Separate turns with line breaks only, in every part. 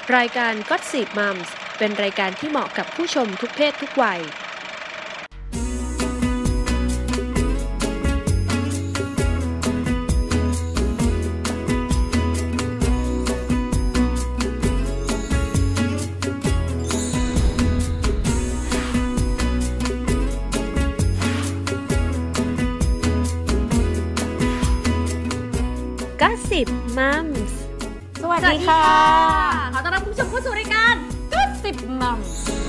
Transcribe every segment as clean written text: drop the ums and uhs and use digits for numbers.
รายการ Gossip Moms เป็นรายการที่เหมาะกับผู้ชมทุกเพศทุกวัยGossip Moms
สวัสดีค่ะขอต้อนรับคุณผู้ชมเข้าสู่รายการ Gossip Moms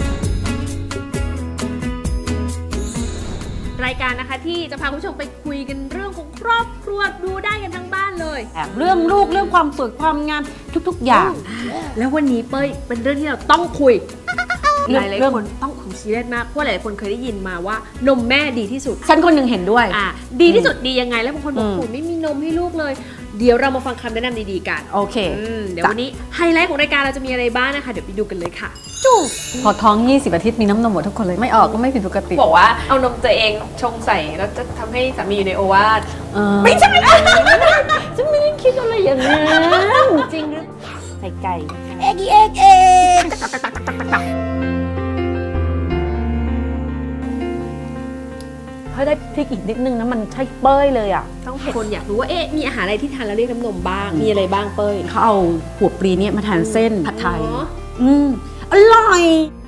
รายการนะคะที่จะพาคุณผู้ชมไปคุยกันเรื่องของครอบครัวดูได้กันทั้งบ้านเลย
เรื่องลูกเรื่องความสวยความงามทุกๆอย่าง
แล้ววันนี้เป้ยเป็นเรื่องที่เราต้องคุยหลายๆคนต้องคุยซีเรียสมากเพราะหลายคนเคยได้ยินมาว่านมแม่ดีที่สุด
ฉันคนหนึ่งเห็นด้วย
ดีที่สุดดียังไงแล้วบางคนบอกโอ้ไม่มีนมให้ลูกเลยเดี๋ยวเรามาฟังคำแนะนำดีๆกัน
โอเค
เดี๋ยววันนี้ไฮไลท์ของรายการเราจะมีอะไรบ้างนะคะเดี๋ยวไปดูกันเลยค่ะ
พอท้อง20อาทิตย์มีน้ำนมหมดทุกคนเลยไม่ออกก็ไม่ผิดปกติ
บอกว่าเอานมตัวเองชงใส่แล้วจะทำให้สามีอยู่ในโอวาท
ไม่ใช่ฉันไม่ได้คิดอะไรอย่างนั้น
จริงหรือ
ใส่ไก่
เอ็ก
ถ้าได้พริกอีกนิดนึงนะมันใช่เป้ยเลยอ่ะ
ต้องคนอยากรู้ว่ามีอาหารอะไรที่ทานแล้วเรียกน้ำนมบ้างมีอะไรบ้างเป้ย
เขาเอาหัวปลีเนี่ยมาทานเส้นผัดไทยอร่อย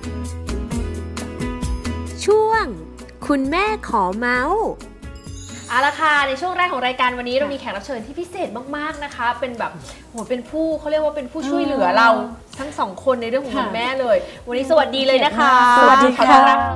ช่วงคุณแม่ขอเมาส์เอาละค่ะในช่วงแรกของรายการวันนี้เรามีแขกรับเชิญที่พิเศษมากๆนะคะเป็นแบบโหเป็นผู้เขาเรียกว่าเป็นผู้ช่วยเหลือเราทั้งสองคนในเรื่องของคุณแม่เลยวันนี้สวัสดีเลยนะคะ
สวัสดีค่ะ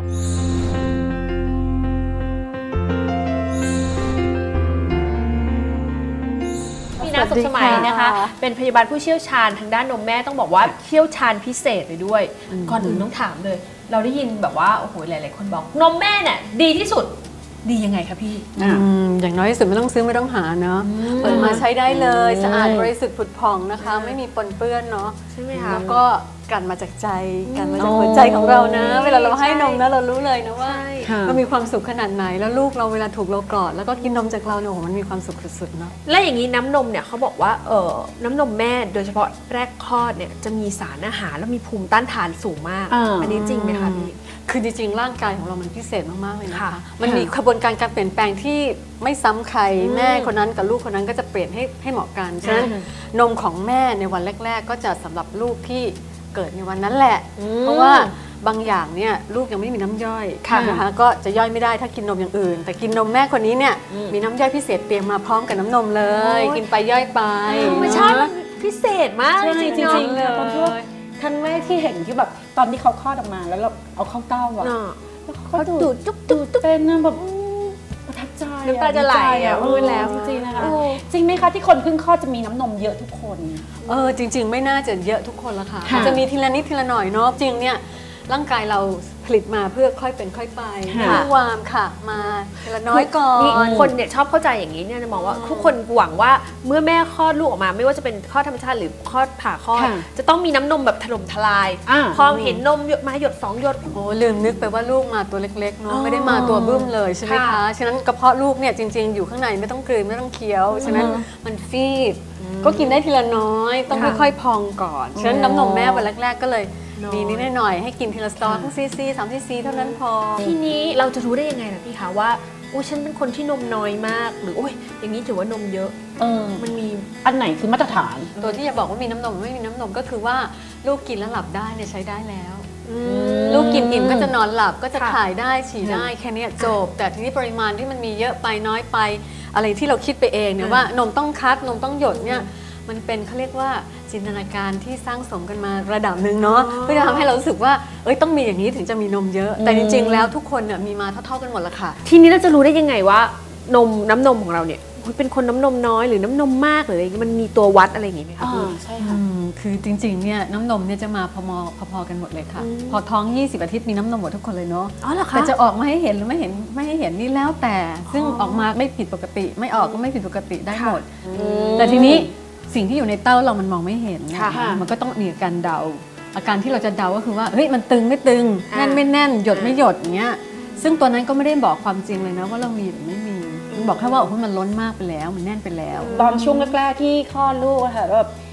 สุขสมัยนะคะเป็นพยาบาลผู้เชี่ยวชาญทางด้านนมแม่ต้องบอกว่าเชี่ยวชาญพิเศษเลยด้วยก่อนอื่นต้องถามเลยเราได้ยินแบบว่าโอ้โหหลายๆคนบอกนมแม่เนี่ยดีที่สุดดียังไงคะพี่
อย่างน้อยที่สุดไม่ต้องซื้อไม่ต้องหาเนาะเปิดมาใช้ได้เลยสะอาดบริสุทธิ์ผุดผ่องนะคะไม่มีปนเปื้อนเนาะ
ใช่ไหมคะ
แล้วก็กันมาจากใจกันมาจากหัวใจของเรานะเวลาเราให้นมนะเรารู้เลยนะว่ามันมีความสุขขนาดไหนแล้วลูกเราเวลาถูกเรากอดแล้วก็กินนมจากเราเนี่ยโอ้โหมันมีความสุขสุดๆเนาะ
และอย่างนี้น้ำนมเนี่ยเขาบอกว่าน้ำนมแม่โดยเฉพาะแรกคลอดเนี่ยจะมีสารอาหารแล้วมีภูมิต้านทานสูงมากอันนี้จริงไหมคะพี่
คือจริงๆร่างกายของเรามันพิเศษมากๆเลยนะคะมันมีกระบวนการการเปลี่ยนแปลงที่ไม่ซ้ำใครแม่คนนั้นกับลูกคนนั้นก็จะเปลี่ยนให้เหมาะกันฉะนั้นนมของแม่ในวันแรกๆก็จะสำหรับลูกที่เกิดในวันนั้นแหละเพราะว่าบางอย่างเนี่ยลูกยังไม่มีน้ำย่อยนะคะก็จะย่อยไม่ได้ถ้ากินนมอย่างอื่นแต่กินนมแม่คนนี้เนี่ยมีน้ำย่อยพิเศษเตรียมมาพร้อมกับน้ำนมเลยกินไปย่อยไป
ไม่ใช่พิเศษมาก
จริงๆเลยตอนที่ครั้งแรกที่เห็นที่แบบตอนที่เขาคลอดออกมาแล้วเราเอาเข้าเต้าอ่ะแล้วเขาดูดจุ๊บเป็นแบบประทับใจ
น้ำตาจะไหลพูดแล้ว
จริงๆนะคะจริงไหมคะที่คนเพิ่งคลอดจะมีน้ำนมเยอะทุกคนจริงๆไม่น่าจะเยอะทุกคนละค่ะจะมีทีละนิดทีละหน่อยเนาะจริงเนี่ยร่างกายเราผลิตมาเพื่อค่อยเป็นค่อยไปไม่วามค่ะมาทีละน้อยก่อน
คนเนี่ยชอบเข้าใจอย่างนี้เนี่ยจะมองว่าทุกคนหวังว่าเมื่อแม่คลอดลูกออกมาไม่ว่าจะเป็นคลอดธรรมชาติหรือคลอดผ่าคลอดจะต้องมีน้ำนมแบบถล่มทลายพอเห็นนมมาหยด2หยด
โอ้ลืมนึกไปว่าลูกมาตัวเล็กๆเนาะไม่ได้มาตัวบึ้มเลยใช่ไหมคะฉะนั้นกระเพาะลูกเนี่ยจริงๆอยู่ข้างในไม่ต้องกลืนไม่ต้องเคี้ยวฉะนั้นมันฟีบก็กินได้ทีละน้อยต้องค่อยๆพองก่อนฉะนั้นน้ำนมแม่วันแรกๆก็เลยดีนิดหน่อยให้กินทีละสตอทั้งซี3ซีเท่านั้นพอ
ทีนี้เราจะรู้ได้ยังไงล่ะพี่คะว่าโอ้ฉันเป็นคนที่นมน้อยมากหรือโอ้ยอย่างนี้ถือว่านมเยอะมันมี
อันไหนคือมาตรฐานตัวที่จะบอกว่ามีน้ำนมไม่มีน้ำนมก็คือว่าลูกกินแล้วหลับได้เนี่ยใช้ได้แล้วลูกกินอิ่มก็จะนอนหลับก็จะถ่ายได้ฉี่ได้แค่นี้จบแต่ทีนี้ปริมาณที่มันมีเยอะไปน้อยไปอะไรที่เราคิดไปเองเนี่ยว่านมต้องคัดนมต้องหยดเนี่ยมันเป็นเขาเรียกว่าจินตนาการที่สร้างสมกันมาระดับหนึ่งเนาะเพื่อจะทำให้เรารู้สึกว่าต้องมีอย่างนี้ถึงจะมีนมเยอะแต่จริงๆแล้วทุกคนเนี่ยมีมาเท่าๆกันหมดละค่ะ
ทีนี้เราจะรู้ได้ยังไงว่าน้ำนมของเราเนี่ยเป็นคนน้ำนมน้อยหรือน้ำนมมากหรืออะไรมันมีตัววัดอะไรอย่างงี้ไหมคะ
ใช่ค่ะคือจริงๆเนี่ยน้ำนมเนี่ยจะมาพอๆกันหมดเลยค่ะพอท้อง20อาทิตย์มีน้ำนมหมดทุกคนเลยเนาะแต่จะออกมาให้เห็นหรือไม่ให้เห็นนี่แล้วแต่ซึ่งออกมาไม่ผิดปกติไม่ออกก็ไม่ผิดปกติได้หมดแต่ทีนี้สิ่งที่อยู่ในเต้าเรามันมองไม่เห็นมันก็ต้องมีอาการเดาอาการที่เราจะเดาก็คือว่าเฮ้ยมันตึงไม่ตึงแน่นไม่แน่นหยดไม่หยดอย่างเงี้ยซึ่งตัวนั้นก็ไม่ได้บอกความจริงเลยนะว่าเรามีหรือไม่มีมันบอกแค่ว่ามันล้นมากไปแล้วมันแน่นไปแล้ว
ตอนช่วงแรกๆที่คลอดลูกอะค่ะแบบ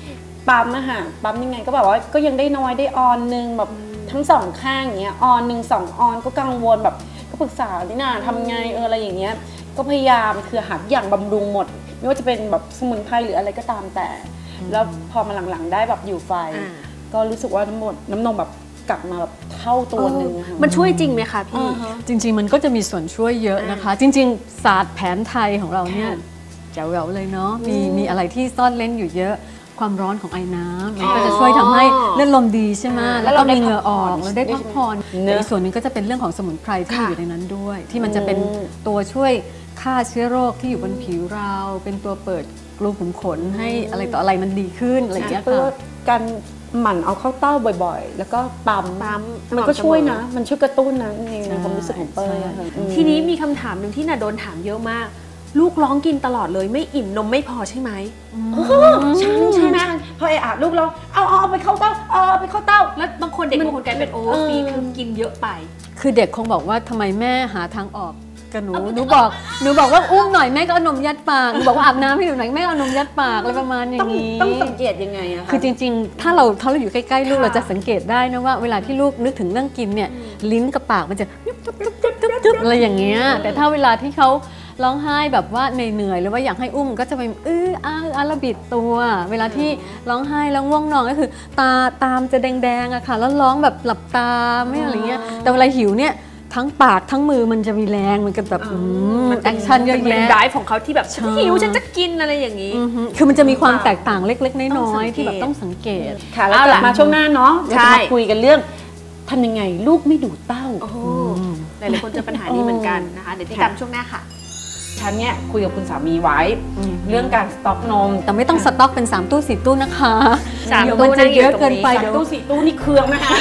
ปั๊มอะค่ะปั๊มยังไงก็แบบว่าก็ยังได้น้อยได้ออนนึงแบบทั้งสองข้างอย่างเงี้ยออนหนึ่ง2 ออนก็กังวลแบบก็ปรึกษาดิน่าทำไงอะไรอย่างเงี้ยก็พยายามคือหาอย่างบำรุงหมดไม่ว่าจะเป็นแบบสมุนไพรหรืออะไรก็ตามแต่แล้วพอมาหลังๆได้แบบอยู่ไฟก็รู้สึกว่าน้ำนมแบบกลับมาแบบเท่าตัวนึง
มันช่วยจริงไหมคะพี่
จริงๆมันก็จะมีส่วนช่วยเยอะนะคะ จริงๆศาสตร์แผนไทยของเราเนี่ยแจ๋วๆเลยเนาะมีอะไรที่ซ่อนเล้นอยู่เยอะความร้อนของไอ้น้ำมันก็จะช่วยทำให้เลือดลมดีใช่ไหมแล้วก็มีเหงื่อออกแล้วได้พักผ่อนอีกส่วนหนึงก็จะเป็นเรื่องของสมุนไพรที่อยู่ในนั้นด้วย ที่มันจะเป็นตัวช่วยฆ่าเชื้อโรคที่อยู่บนผิวเราเป็นตัวเปิดรูขุมขนให้อะไรต่ออะไรมันดีขึ้นอะไรอย่างเงี้ย
เพื่อ
ค่ะ
การหมั่นเอาเข้าเต้าบ่อยๆ แล้วก็ปั๊มมันก็ช่วยนะมันช่วยกระตุ้นนะในความรู้สึกของเป้ยอะค่ะ
ทีนี้มีคำถามหนึ่งที่น่ะโดนถามเยอะมาก ลูกร้องกินตลอดเลยไม่อิ่มนมไม่พอใช่ไหม
ใช่ไหมพอลูกเราเอาไปเข้าเต้าเอาไปเข้าเต้า
แล้วบางคนเด็กบางคนกลายเป็นโอเวอร์ฟีดคือกินเยอะไป
คือเด็กคงบอกว่าทำไมแม่หาทางออกกับหนูหนูบอกว่าอุ้มหน่อยแม่ก็เอานมยัดปากหนูบอกว่าอาบน้ำให้หนูหน่อยแม่เอานมยัดปากอะไรประมาณอย่างนี้
ต้องสังเกตยังไงอะคะ
คือจริงๆ ถ้าเราอยู่ใกล้ๆลูกเราจะสังเกตได้นะว่าเวลาที่ลูกนึกถึงเรื่องกินเนี่ยลิ้นกับปากมันจะจุ๊บอะไรอย่างเงี้ยแต่ถ้าเวลาที่เขาร้องไห้แบบว่าเหนื่อยหรือว่าอยากให้อุ้มก็จะไประบิดตัว เวลาที่ร้องไห้แล้วง่วงนอนก็คือตามจะแดงๆอะค่ะแล้วร้องแบบหลับตาไม่อะไรเงี้ยแต่เวลาหิวเนี่ยทั้งปากทั้งมือมันจะมีแรงมันก็แบบมันแอคชั่นเยอะ
เป็น
แยะ
ไดฟ์ของเขาที่แบบหิวฉันจะกินอะไรอย่างนี้
คือมันจะมีความแตกต่างเล็กๆน้อยๆที่แบบต้องสังเกต
ค่ะแล้วกลับมาช่วงหน้าเนาะเราจะมาคุยกันเรื่องทำยังไงลูกไม่ดูดเต้า
โอ้โหหลายๆคนเจอปัญหานี้เหมือนกันนะคะเดี๋ยวติดตามช่วงหน้าค่ะ
ฉันเนี่ยคุยกับคุณสามีไว้เรื่องการสต็อกนม
แต่ไม่ต้องสต็อกเป็น3 ตู้ 4 ตู้นะคะ
สาม
เดี๋ยว
ตู้
มันจะเยอะเกินไป
นั่งอยู่ตรงนี้
เดี๋ยว
ตู้4 ตู้นี่เครื่องนะคะ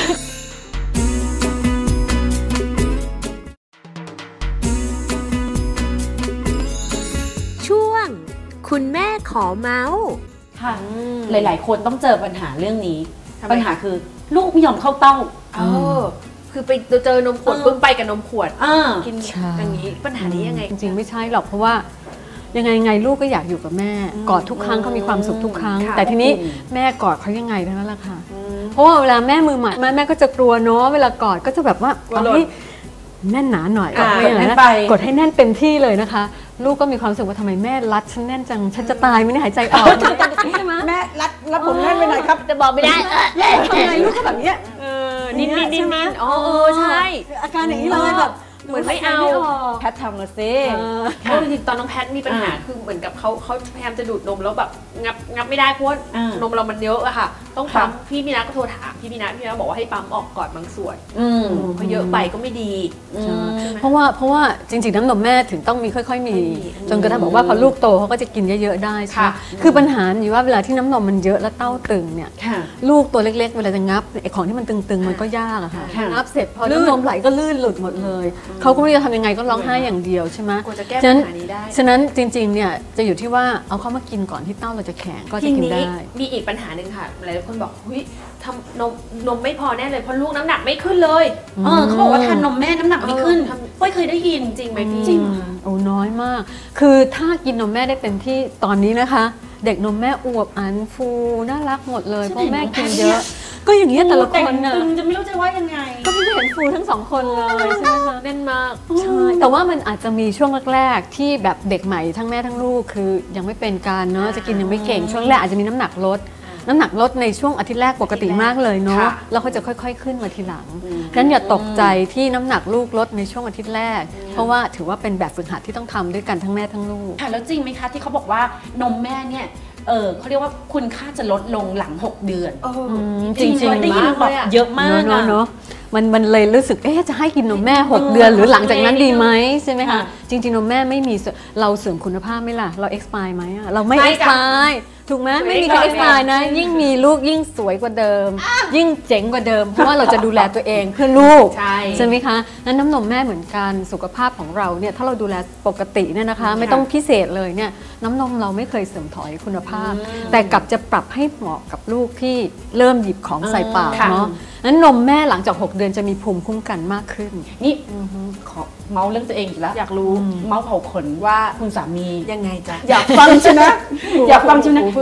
ช่วงคุณแม่ขอเมาส์
ค่ะหลายๆ คนต้องเจอปัญหาเรื่องนี้ปัญหาคือลูกไม่ยอมเข้าเต้า
คือไปเจอนมขวดปึ้งไปกับนมขวดกิน
ใช่
อย่างนี้ปัญหานี้ยังไง
จริงๆไม่ใช่หรอกเพราะว่ายังไงลูกก็อยากอยู่กับแม่กอดทุกครั้งเขามีความสุขทุกครั้ง
ค่ะ
แต่ทีนี้แม่กอดเขายังไงเท่านั้นแหละค่ะเพราะว่าเวลาแม่มือใหม่แม่ก็จะกลัวเนาะเวลากอดก็จะแบบว่าเอาให้แน่นหนาหน่อยไม่อย่างนั้นนะกดให้แน่นเต็มที่เลยนะคะ ลูกก็มีความรู้สึกว่าทำไมแม่รัดฉันแน่นจังฉันจะตายไม่ได้หายใจออกใช่ไหม
แม่รัดผมแน่นไปหน่อยครับ
จะบอกไม่ได้
ทำไงลูกก็แบบเนี้ย
นิ่มๆนิ่มๆอ๋อใช่
อาการอย่างนี้เลยแบบ
เหมือนไม่เอา
แพททำมาซิ
เพราะจริงๆตอนน้องแพทมีปัญหาคือเหมือนกับเขาพยายามจะดูดนมแล้วแบบงับไม่ได้เพราะว่านมเรามันเยอะอะค่ะ ต้องปั๊มพี่มีนาก็โทรถามพี่มีนาบอกว่าให้ปั๊มออกก่อนบางส่วนเพราะเยอะไปก็ไม่ดี
เพราะว่าจริงๆน้ำนมแม่ถึงต้องมีค่อยๆมีจนกระทั่งบอกว่าพอลูกโตเขาก็จะกินเยอะๆได้ใช่ไหมคือปัญหาอยู่ว่าเวลาที่น้ำนมมันเยอะแล้วเต้าตึงเนี่ยลูกตัวเล็กๆเวลาจะงับไอ้ของที่มันตึงๆมันก็ยากอะค่ะงับเสร็จพอน้ำนมไหลก็ลื่นหลุดหมดเลยเขาก็ไม่รู้จะทำยังไงก็ร้องไห้อย่างเดียวใช่ไหม
กว่าจะแก้ปัญหานี้ได้
ฉะนั้นจริงๆเนี่ยจะอยู่ที่ว่าเอาเข้ามากินก่อนที่เต้าเราจะแข็งก็จะ
ที
กิน
นี้
ได้
มีอีกปัญหาหนึ่งค่ะหลายคนบอกเฮ้ยทำนมไม่พอแน่เลยเพราะลูกน้ำหนักไม่ขึ้นเลย
เขาบอกว่าทานนมแม่น้ำหนักไม่ขึ้นไม่เคยได้ยิน
จริงไหมพี่
จริง
โอ้น้อยมาก คือถ้ากินนมแม่ได้เต็มที่ตอนนี้นะคะ เด็กนมแม่อวบอันฟูน่ารักหมดเลยเพราะแม่กินเยอะ ก็อย่างเงี้ยแต่ละคนน่ะ
จะไม่รู้จะว่ายังไง
ก็ไม่เห็นฟูทั้งสองคนเลยใช่ไหมคะ
แน่นมาก
ใช่แต่ว่ามันอาจจะมีช่วงแรกๆที่แบบเด็กใหม่ทั้งแม่ทั้งลูกคือยังไม่เป็นการเนาะจะกินยังไม่เก่งช่วงแรกอาจจะมีน้ำหนักลดในช่วงอาทิตย์แรกปกติมากเลยเนาะแล้วก็จะค่อยๆขึ้นมาทีหลังฉะนั้นอย่าตกใจที่น้ำหนักลูกลดในช่วงอาทิตย์แรก เพราะว่าถือว่าเป็นแบบฝึกหัดที่ต้องทำด้วยกันทั้งแม่ทั้งลูก
ค่ะแล้วจริงไหมคะที่เขาบอกว่านมแม่เนี่ยเขาเรียกว่าคุณค่าจะลดลงหลัง 6 เดือน
จริงๆ
ได้ยินแบบเยอะมาก
เนาะมันเลยรู้สึกจะให้กินนมแม่ 6 เดือนหรือหลังจากนั้นดีไหมใช่ไหมคะจริงๆนมแม่ไม่มีเราเสริมคุณภาพไหมล่ะเรา expire ไหมอะเราไม่ expire ถูกไหมไม่มีใคร expire นะยิ่งมีลูกยิ่งสวยกว่าเดิม ยิ่งเจ๋งกว่าเดิมเพราะว่าเราจะดูแลตัวเองเพื่อลูกใช่ไหมคะนั้นน้ำนมแม่เหมือนกันสุขภาพของเราเนี่ยถ้าเราดูแลปกติเนี่ยนะคะไม่ต้องพิเศษเลยเนี่ยน้ำนมเราไม่เคยเสื่อมถอยคุณภาพ แต่กลับจะปรับให้เหมาะกับลูกที่เริ่มหยิบของใส่ปากเนาะนั้นนมแม่หลังจาก6 เดือนจะมีภูมิคุ้มกันมากขึ้น
นี่ขอเมาส์เรื่องตัวเองอีกแล้วอยากรู้เมาส์เผาขนว่าคุณสามี
ยังไงจ๊ะ
อยากฟังใช่ไหมอยากฟังใช่ไหม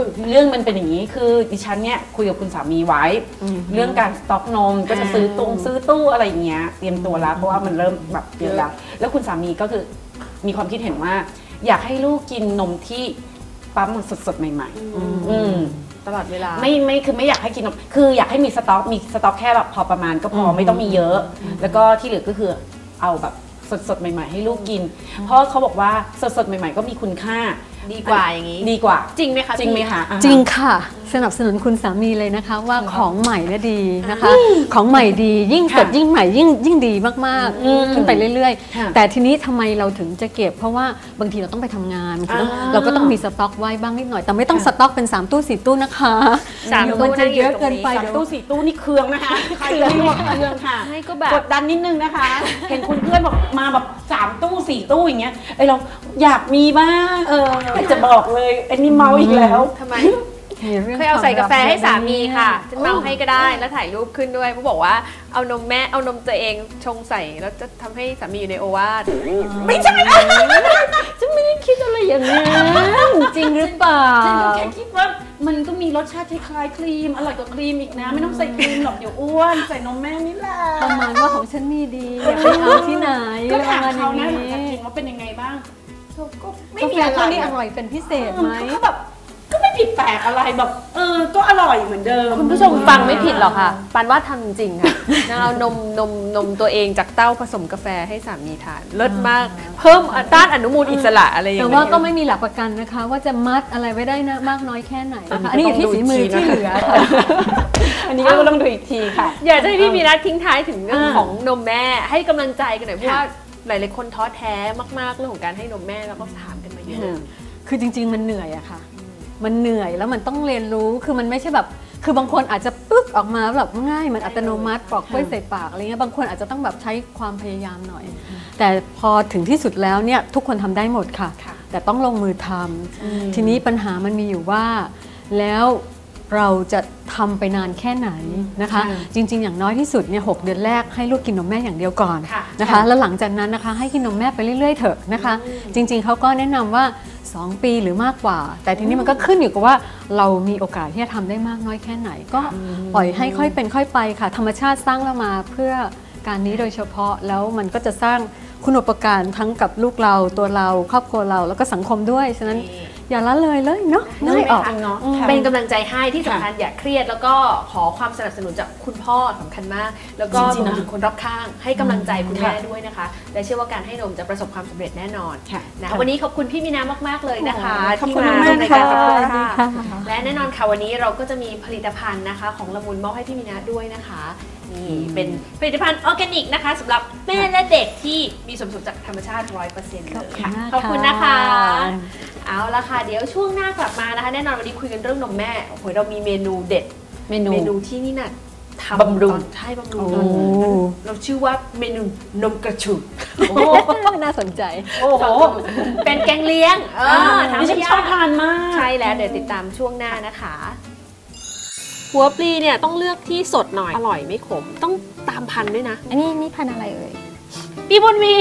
คือเรื่องมันเป็นอย่างนี้คือดิฉันเนี่ยคุยกับคุณสามีไว้ เรื่องการสต็อกนมก็จะซื้อตู้อะไรอย่างเงี้ยเตรียมตัวแล้วเพราะว่ามันเริ่มแบบเยอะแล้วคุณสามีก็คือมีความคิดเห็นว่า อยากให้ลูกกินนมที่ปั๊มมันสดๆใหม่ๆ
ตลอดเวลา
ไม่คือไม่อยากให้กินนมคืออยากให้มีสต็อกแค่แบบพอประมาณก็พอไม่ต้องมีเยอะ แล้วก็ที่เหลือก็คือเอาแบบสดๆใหม่ๆให้ลูกกิน เพราะเขาบอกว่าสดๆใหม่ๆก็มีคุณค่า
ดีกว่าอย่างนี้
ดีกว่า
จริงไหมคะ
จริงไหมคะ
จริงค่ะสนับสนุนคุณสามีเลยนะคะว่าของใหม่เนี่ยดีนะคะ ของใหม่ดียิ่งสดยิ่งใหม่ยิ่งดีมากๆขึ้นไปเรื่อยๆแต่ทีนี้ทำไมเราถึงจะเก็บเพราะว่าบางทีเราต้องไปทำงานเราก็ต้องมีสต็อกไว้บ้างนิดหน่อยแต่ไม่ต้องสต็อกเป็น3 ตู้ 4 ตู้นะคะ
3 ตู้
จะเยอะเกินไป
3 ตู้ 4 ตู้นี่เครื่องนะคะเครื่องค่ะกดดันนิดนึงนะคะเห็นคุณเพื่อนบอกมาแบบ3 ตู้ 4 ตู้อย่างเงี้ยเราอยากมีบ้างจะบอกเลยอันนี้เมาอีกแล้ว
ทำไมเคยเอาใส่กาแฟให้สามีค่ะจะเมาให้ก็ได้แล้วถ่ายรูปขึ้นด้วยเขาบอกว่าเอานมตัวเองชงใส่แล้วจะทำให้สามีอยู่ในโอวาท
ไม่ใช่จะไม่ได้คิดอะไรอย่างนั้น
จริงหรือเปล่า
ฉันก็แค่คิดว่ามันก็มีรสชาติคล้ายๆครีมอร่อยกว่าครีมอีกนะไม่ต้องใส่ครีมหรอกเดี๋ยวอ้วนใส่นมแม่นี่แหละ
ประมาณว่าของฉันนี่ดีอย่าไปเอาที่ไหน
ก็ถามเขานะหลังจากกินว่าเป็นยังไงบ้าง
ก็ไม่มีอะไรอร่อยเป็นพิเศษไหม
ก็ไม่ผิดแปลกอะไรแบบก็อร่อยเหมือนเดิม
คุณผู้ชมฟังไม่ผิดหรอกค่ะปานว่าทำจริงค่ะเอานมตัวเองจากเต้าผสมกาแฟให้สามีทานเลิศมากเพิ่มต้านอนุมูลอิสระอะไรอย่างเงี้ย
แต่ว่าก็ไม่มีหลักประกันนะคะว่าจะมัดอะไรไว้ได้นะมากน้อยแค่ไหนอันนี้อยู่ที่ฝีมือที่เหลือ
อันนี้ก็ต้องดูอีกทีค่ะ
อยากจะให้พี่มีนัดทิ้งท้ายถึงเรื่องของนมแม่ให้กำลังใจกันหน่อยเพราะว่าหลายๆคนท้อแท้มากๆเรื่องของการให้นมแม่แล้วก็ถามกันมาเยอะ
คือจริงๆมันเหนื่อยอะค่ะมันเหนื่อยแล้วมันต้องเรียนรู้คือมันไม่ใช่แบบคือบางคนอาจจะปึ๊กออกมาแบบง่ายมันอัตโนมัติปอกกล้วยใส่ปากอะไรเงี้ยบางคนอาจจะต้องแบบใช้ความพยายามหน่อยแต่พอถึงที่สุดแล้วเนี่ยทุกคนทำได้หมดค่ะแต่ต้องลงมือทำทีนี้ปัญหามันมีอยู่ว่าแล้วเราจะทำไปนานแค่ไหนนะคะจริงๆอย่างน้อยที่สุดเนี่ย6 เดือนแรกให้ลูกกินนมแม่อย่างเดียวก่อนนะคะแล้วหลังจากนั้นนะคะให้กินนมแม่ไปเรื่อยๆเถอะนะคะจริงๆเขาก็แนะนำว่า2 ปีหรือมากกว่าแต่ทีนี้มันก็ขึ้นอยู่กับว่าเรามีโอกาสที่จะทำได้มากน้อยแค่ไหนก็ปล่อยให้ค่อยเป็นค่อยไปค่ะธรรมชาติสร้างเรามาเพื่อการนี้โดยเฉพาะแล้วมันก็จะสร้างคุณูปการทั้งกับลูกเราตัวเราครอบครัวเราแล้วก็สังคมด้วยฉะนั้นอย่าละเลยเนาะ
ง่ายออกเนาะเป็นกำลังใจให้ที่สำคัญอย่าเครียดแล้วก็ขอความสนับสนุนจากคุณพ่อสำคัญมากแล้วก็รวมถึงคนรอบข้างให้กำลังใจคุณแม่ด้วยนะคะและเชื่อว่าการให้นมจะประสบความสำเร็จแน่นอนนะวันนี้ขอบคุณพี่มีนามากๆเลยนะคะที่มาร่วมรายการกับเราค่ะและแน่นอนค่ะวันนี้เราก็จะมีผลิตภัณฑ์นะคะของละมุนมอบให้พี่มีนาด้วยนะคะนี่เป็นผลิตภัณฑ์ออร์แกนิกนะคะสำหรับแม่และเด็กที่มีส่วนผสมจากธรรมชาติ 100% เลยค่ะขอบคุณนะคะเอาละค่ะเดี๋ยวช่วงหน้ากลับมานะคะแน่นอนวันนี้คุยกันเรื่องนมแม่โอ้โหเรามีเมนูเด็ดเมนูที่นี่น่ะทำบำรุงใช่บำรุงเราชื่อว่าเมนูนมกระชู
น่าสนใจ
โอ้โหเป็นแกงเลี้ยง
ทำให้ชอบทานมาก
ใช่แล้วเดี๋ยวติดตามช่วงหน้านะคะหัวปลีเนี่ยต้องเลือกที่สดหน่อยอร่อยไม่ขมต้องตามพันธุ์ด้วยนะ
อันนี้พันธุ์อะไรเอ่ย
พี่บุญมี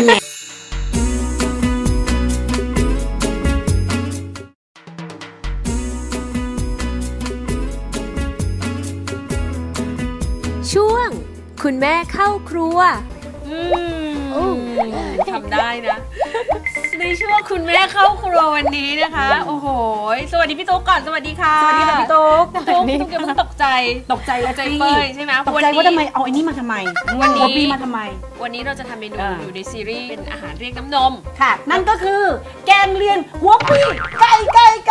ช่วงคุณแม่เข้าครัวทำได้นะในช่วงคุณแม่เข้าครัววันนี้นะคะโอ้โหสวัสดีพี่ตุ๊กก่อนสวัสดีค่ะ
สวัสดีค่ะพี่ตุ๊ก
อย่าเพิ่งตกใจ
แล้ว
ใจเป้ยใช่ไหม
ตกใจว่าทำไมเอาไอ้นี่มาทำไม
วันนี้
ปีมาทำไม
วันนี้เราจะทำเมนูอยู่ในซีรีส์เป็นอาหารเรียกน้ำนม
ค่ะนั่นก็คือแกงเลียงหัวปลีไก่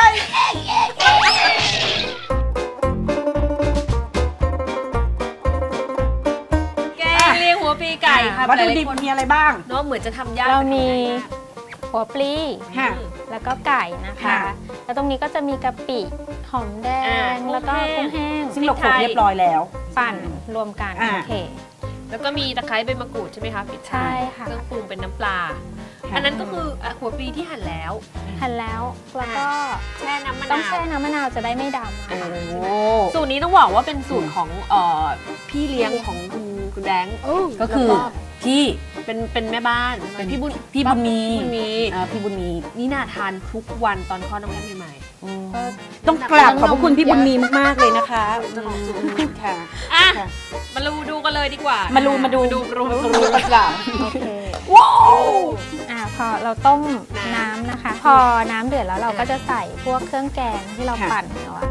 หัวปลีไก่ค่ะ
วัตถุดิบมีอะไรบ้าง
เนาะเหมือนจะทำยาก
เรามีหัวปลีแล้วก็ไก่นะคะแล้วตรงนี้ก็จะมีกะปิหอมแดงแล้วก็กุ้งแห้ง
ซึ่งเราโขลกเรียบร้อยแล้ว
ปั่นรวมกันโอเค
แล้วก็มีตะไคร้ใบมะกรูดใช่ไหมคะปิดท้ายเครื่องปรุงเป็นน้ำปลาอันนั้นก็คือหัวปลีที่หั่นแล้ว
แล้วก็
แช่น้ำมะนาว
ต้องแช่น้ำมะนาวจะได้ไม่ด
ำสูตรนี้ต้องบอกว่าเป็นสูตรของพี่เลี้ยงของคุณแดง
ก็คือพี่
เป็นแม่บ้าน
เป็นพี่บุญมี
นี่น่าทานทุกวันตอนคลอดน้องแก้มใหม่
ต้องกราบขอบพระคุณพี่บุญมีมากๆเลยนะคะค่ะ
อ่ะ
ค่ะ
มาดูกันเลยดีกว่า
มาดูกันจ้ะ
โอเค
ว้าว
พอเราต้มน้ำนะคะ พอน้ำเดือดแล้วเราก็จะใส่พวกเครื่องแกงที่เราปั่นเอาอะ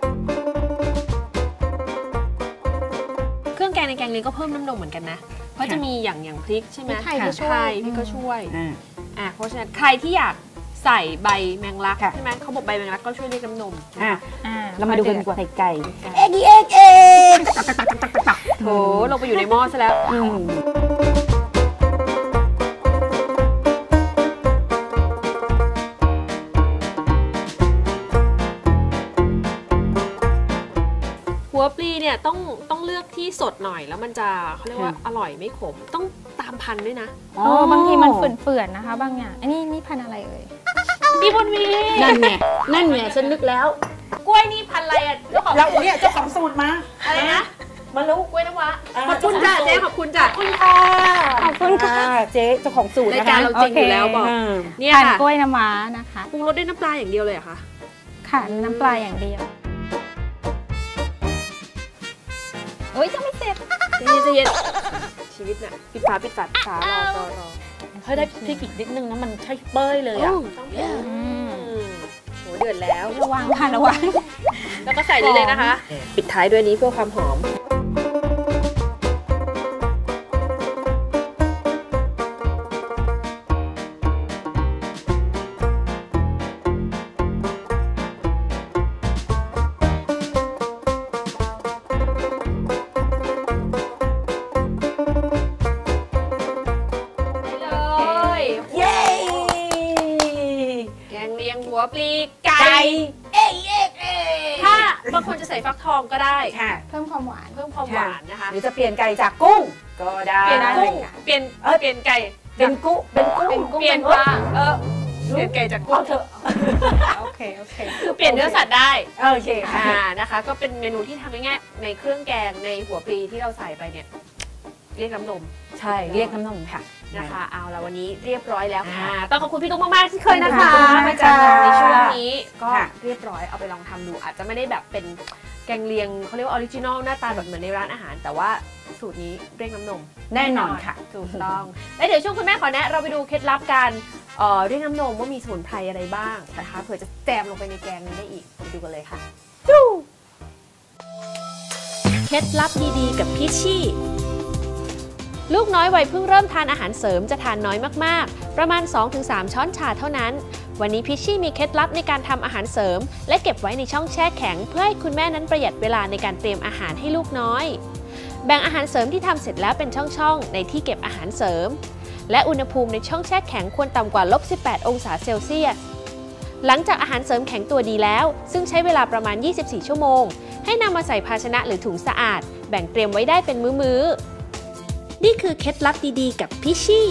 เครื่องแกงในแกงเลียงก็เพิ่มน้ำนมเหมือนกันนะ เพราะจะมีอย่างพริกใช่ไหม
พริกไทยก็ช่วย
พริกก็ช่วย
อ่า
เพราะฉะนั้นใครที่อยากใส่ใบแมงลัก
ค่ะ
ใช่ไหมเขาบอกใบแมงลักก็ช่วยเรียกน้ำนม
อ่ะ
อ่า
เรามาดูกันดีกว่าไข่ไก่
เอ็ก
โถลงไปอยู่ในหม้อซะแล้ว หัวปลีเนี่ยต้องเลือกที่สดหน่อยแล้วมันจะเขาเรียกว่าอร่อยไม่ขมต้องตามพันธุ์ด้วยนะ
บางทีมันเฟื่อนๆนะคะ บางอย่างอันนี้นี่พันธุ์อะไรเอ่ย
พี่บุญมี
นั่นไงฉันนึกแล้ว
กล้วยนี่พันธุ์อะไรอ่ะเจ้าของ
เราเนี่ยเจ้าของสูตรมา
อะไรนะ
มารู้
กล้วยน้ำว้าขอบคุณจ้ะเจ๊ขอบคุณจ้ะ
ขอบคุณค่ะ
เจ๊เจ้าของสูตร
ราย
นะคะ
การเราจริงอยู่แล้วบอก เนี่ย
พัน
ค่ะ
กล้วยน้ำว้านะคะ
ปรุงรสด้วยน้ำปลาอย่างเดียวเลยเหรอคะ
ค่ะน้ำปลาอย่างเดียวเอ้ยจะไม่เสร็จ
ใจเย็นชีวิตน่ะปิดฝารอ
เฮ้ยได้พริกอีกนิดนึงนะมันใช่เป้ยเลยอ่ะ
ต้องเผ็ดโหเดือดแล้ว
ระวังค่ะระวัง
แล้วก็ใส่นี้เลยนะคะ ปิดท้ายด้วยนี้เพื่อความหอม เลย
เย้
แกงเลียงหัวปลีไก่ถ้าบางคนจะใส่ฟักทองก็ได้
ค่ะ
เพิ่มความหวาน
เพิ่มความหวานนะคะ
หรือจะเปลี่ยนไก่จากกุ้งก็ได้
เปลี่ยนกุ้งเปลี่ยนไก่
เป็นกุ้ง
เปลี่ยนปลาเปลี่ยนไก่จากกุ้
เอา
ง
เถอะ
โอเค
คือเปลี่ยนเนื้อสัตว์ได้
โอเคค่ะ
นะคะ ก็เป็นเมนูที่ทำง่ายๆในเครื่องแกงในหัวปลีที่เราใส่ไปเนี่ยเรียกน้ำนม
ใช่เรียกน้ำนมค่ะ
นะคะเอาละวันนี้เรียบร้อยแล้วค่ะต้องขอบคุณพี่ตุ๊กมากๆที่เคยนะคะ
ขอบคุณมาก
มาจากเราในช่วง
ค่ะ
นี้ก็
ค่ะ
เรียบร้อยเอาไปลองทำดู อาจจะไม่ได้แบบเป็นแกงเลียงเขาเรียกว่าออริจินอลหน้าตาแบบเหมือนในร้านอาหาร แต่ว่าสูตรนี้เรียกน้ำนม
แน่นอนค่ะ
ถูกต้องแล้วเดี๋ยวช่วงคุณแม่ขอแนะเราไปดูเคล็ดลับการเรียกน้ำนมว่ามีสมุนไพรอะไรบ้างนะคะเผื่อจะแจมลงไปในแกงนี้ได้อีกไปดูกันเลยค่ะเคล็ดลับดีๆกับพี่ชี่ลูกน้อยวัยเพิ่งเริ่มทานอาหารเสริมจะทานน้อยมากๆประมาณ 2-3 ช้อนชาเท่านั้นวันนี้พี่ชี่มีเคล็ดลับในการทำอาหารเสริมและเก็บไว้ในช่องแช่แข็งเพื่อให้คุณแม่นั้นประหยัดเวลาในการเตรียมอาหารให้ลูกน้อยแบ่งอาหารเสริมที่ทำเสร็จแล้วเป็นช่องๆในที่เก็บอาหารเสริมและอุณหภูมิในช่องแช่แข็งควรต่ำกว่า-18 องศาเซลเซียสหลังจากอาหารเสริมแข็งตัวดีแล้วซึ่งใช้เวลาประมาณ24ชั่วโมงให้นำมาใส่ภาชนะหรือถุงสะอาดแบ่งเตรียมไว้ได้เป็นมื้อๆนี่คือเคล็ดลับดีๆกับพี่ชี่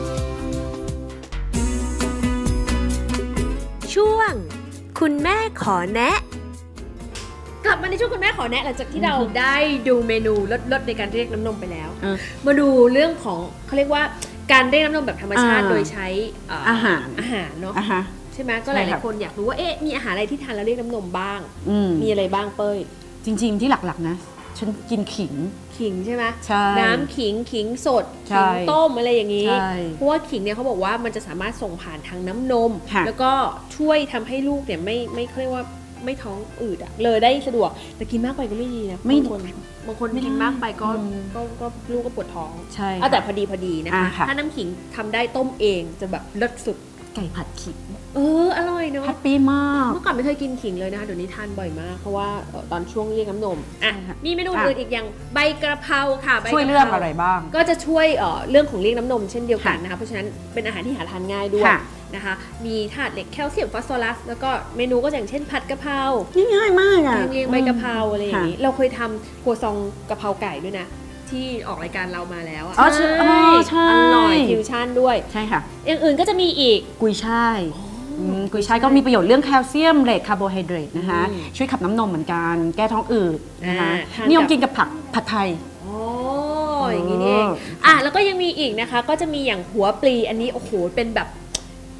ช่วงคุณแม่ขอแนะ กลับมาในช่วงคุณแม่ขอแนะหลังจากที่เราได้ดูเมนูลดในการเรียกน้ำนมไปแล้ว มาดูเรื่องของเขาเรียกว่าการเรียกน้ำนมแบบธรรมชาติโดยใช้
อาหาร
เนาะ ใช่ไหมก็ห
ใช่ครั
ลาย
บ
ๆคนอยากรู้ว่าเอ๊ะมีอาหารอะไรที่ทานแล้วเรียกน้ำนมบ้าง
มี
มีอะไรบ้างเป้ย
จริงๆที่หลักๆนะฉันกินขิง
ขิงใช่ไหม
ใช่
น้ำขิงสด
ใช่
ขิงต้มอะไรอย่างนี้
ใช่
เพราะว่าขิงเนี่ยเขาบอกว่ามันจะสามารถส่งผ่านทางน้ำนม
ค่ะ
แล้วก็ช่วยทำให้ลูกเนี่ยไม่เขาเรียกว่าไม่ท้องอืดอะเลยได้สะดวกแต่กินมากไปก็ไม่ดีนะบางคนกินมากไปก็ลูกก็ปวดท้อง
ใช่
เอาแต่พอดีนะคะ
ค่ะ
ถ้าน้ำขิงทำได้ต้มเองจะแบบเลิศสุด
ไก่ผัดขิง
อร่อยเนาะ
แฮปปี้มาก
เมื่อก่อนไม่เคยกินขิงเลยนะคะเดี๋ยวนี้ทานบ่อยมากเพราะว่าตอนช่วงเรียกน้ำนมอ่ะ
ใช่ค่ะ
มีเมนูอื่นอีกอย่างใบกระเพราค่ะใบกะพา
ช่วยเรื่องอะไรบ้าง
ก็จะช่วยเรื่องของเรียกน้ำนมเช่นเดียวกันนะคะเพราะฉะนั้นเป็นอาหารที่หาทานง่ายด้วย
ค่ะ
นะคะมีธาตุเหล็กแคลเซียมฟอสฟอรัสแล้วก็เมนูก็อย่างเช่นผัดกะเพรา
ง่ายมากอ่ะ
แกงเลียงใบกะเพราอะไรอย่างนี้เราเคยทำครัวซองกะเพราไก่ด้วยนะที่ออกรายการเรามาแล้วอะ
อ๋อใช่
อร่อยฟิวชั่นด้วย
ใช่ค่ะ
อย่างอื่นก็จะมีอีก
กุยช่ายกุยช่ายก็มีประโยชน์เรื่องแคลเซียมเหล็กคาร์โบไฮเดรตนะคะ ช่วยขับน้ำนมเหมือนกันแก้ท้องอืดนะคะ
ทานกับ
นิยมกินกับผัดไทย
อ๋ออย่างนี้นี่เองแล้วก็ยังมีอีกนะคะก็จะมีอย่างหัวปลีอันนี้โอ้โหเป็นแบบ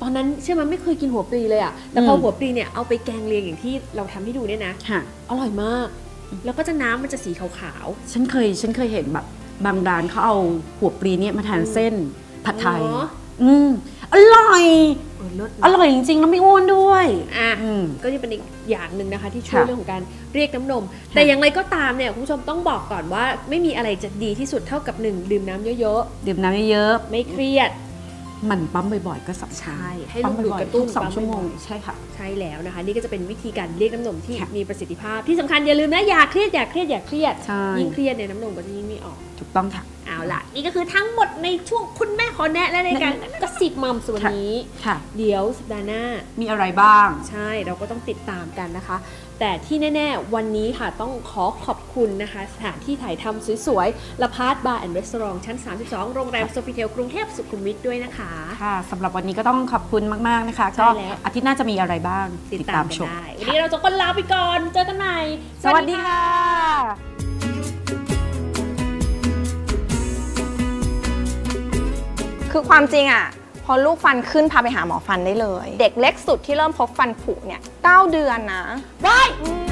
ตอนนั้นใช่ไหมไม่เคยกินหัวปลีเลยอะแต่พอหัวปลีเนี่ยเอาไปแกงเลียงอย่างที่เราทำให้ดูเนี่ยนะ
ค่ะ
อร่อยมาก แล้วก็จะน้ำมันจะสีขาว
ฉันเคยเห็นแบบบางร้านเขาเอาหัวปลีเนี่ยมาทานเส้นผัดไทย
เหรอ
อร่อย
ๆเลิศ
อร่อยจริงๆแล้วไม่อ้วนด้วย
อ่ะ
อืม
ก็จะเป็นอีกอย่างหนึ่งนะคะที่ช่วย
ค่ะ
เรื่องของการเรียกน้ำนม แต่อย่างไรก็ตามเนี่ยคุณผู้ชมต้องบอกก่อนว่าไม่มีอะไรจะดีที่สุดเท่ากับ1ดื่มน้ำเยอะ
ดื่มน้ำเยอะ
ๆไม่เครียด
ๆมันปั๊มบ่อยๆก็สำคัญ
ใช่ให้
ปั๊
ลู
ม
กดูด
บ่อย
กระ
ๆ
ตุ้น
ทุก2 ชั่วโมง
ปั๊บ่อย
ใช่ค่ะ
ๆใช่แล้วนะคะ นี่ก็จะเป็นวิธีการเรียกน้ำนมที่
ค่ะ
มีประสิทธิภาพที่สำคัญอย่าลืมนะอย่าเครียดอย่าเครียดอย่าเครียด
ใช่
ยิ่งเครียดเนี่ยน้ำนมก็จะยิ่งไม่ออก
ถูกต้องค่ะ
เอาล่ะ นี่ก็คือทั้งหมดในช่วงคุณแม่ขอแนะและในการกระซิบมัมส่วนนี้
ค่ะ
เดี๋ยวสัปดาห์หน้า
มีอะไรบ้าง
ใช่เราก็ต้องติดตามกันนะคะ แต่ที่แน่ๆวันนี้ค่ะต้องขอขอบคุณนะคะสถานที่ถ่ายทำสวยๆละพาร์ทบาร์แอนด์รีสอร์ทชั้น 32 โรงแรมโซฟิเทลกรุงเทพสุขุมวิทด้วยนะคะ
ค่ะสำหรับวันนี้ก็ต้องขอบคุณมากๆนะคะ
ใช่
ก็
แล้ว
อาทิตย์หน้าจะมีอะไรบ้าง
ติดตามกัน
ชม
ได้วันนี้เราจะคนลาไปก่อนเจอกันใหม่
สวัสดีค่ะ
คือความจริงอ่ะพอลูกฟันขึ้นพาไปหาหมอฟันได้เลย เด็กเล็กสุดที่เริ่มพบฟันผุเนี่ย 9 เดือนนะ
ได้
อืม